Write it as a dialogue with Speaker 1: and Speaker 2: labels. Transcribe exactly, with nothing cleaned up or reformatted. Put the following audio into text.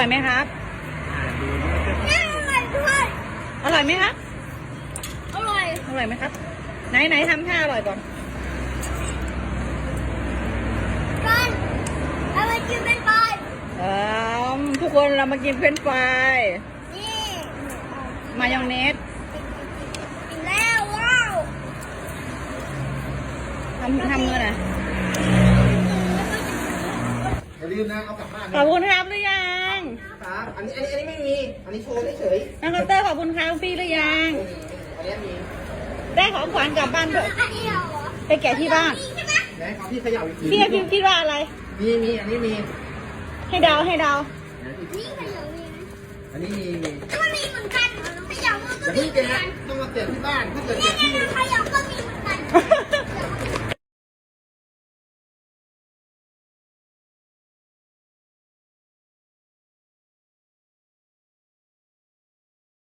Speaker 1: อยไหมครับ
Speaker 2: น่าอร่อยด้วย
Speaker 1: อร่อยไหมครับ
Speaker 2: อร่อย
Speaker 1: อร่อยไหมครับไหนไหนทำท่าอร่อยก่อน
Speaker 2: กันเอาไปกินเป็นปลาย
Speaker 1: เออทุกคนเรามากินเฟรนช์ฟราย
Speaker 2: นี่
Speaker 1: มายองเนส
Speaker 2: กินแล้วว้าว
Speaker 1: ทำทำมือหน่อย
Speaker 3: อย่าลืมนะเอากลับบ้าน
Speaker 1: ขอบคุณครับหรือยัง
Speaker 3: ครับอันนี้อันนี้อันนี้ไม่มี อันนี้โชว์เฉย
Speaker 1: น้องคอปเตอร์ขอบคุณครับพี่หรือยัง
Speaker 3: ๆอันนี้มี
Speaker 1: ได้ของขวัญกลับบ้านด้วย
Speaker 2: อันนี้เหรอ
Speaker 1: ไปแกะที่บ้าน
Speaker 2: นี่ใช่ไหม
Speaker 3: ไหนขอพี่เขย่าอีกที
Speaker 1: พี่พี่คิดว่าอะไร
Speaker 3: มีมีอันนี้มี
Speaker 1: ให้เดาให้เดา
Speaker 2: นี่ขยำนี่
Speaker 3: อันนี้มีมี
Speaker 2: มันมีเหมือนกันขยำมัน
Speaker 3: อ
Speaker 2: ก็
Speaker 3: ย่า
Speaker 2: มี
Speaker 3: เพิ่ง
Speaker 2: เหมือน
Speaker 3: แกะ
Speaker 2: กัน
Speaker 3: ต้องมาแกะที่บ้านถ้าเกิดแกะที่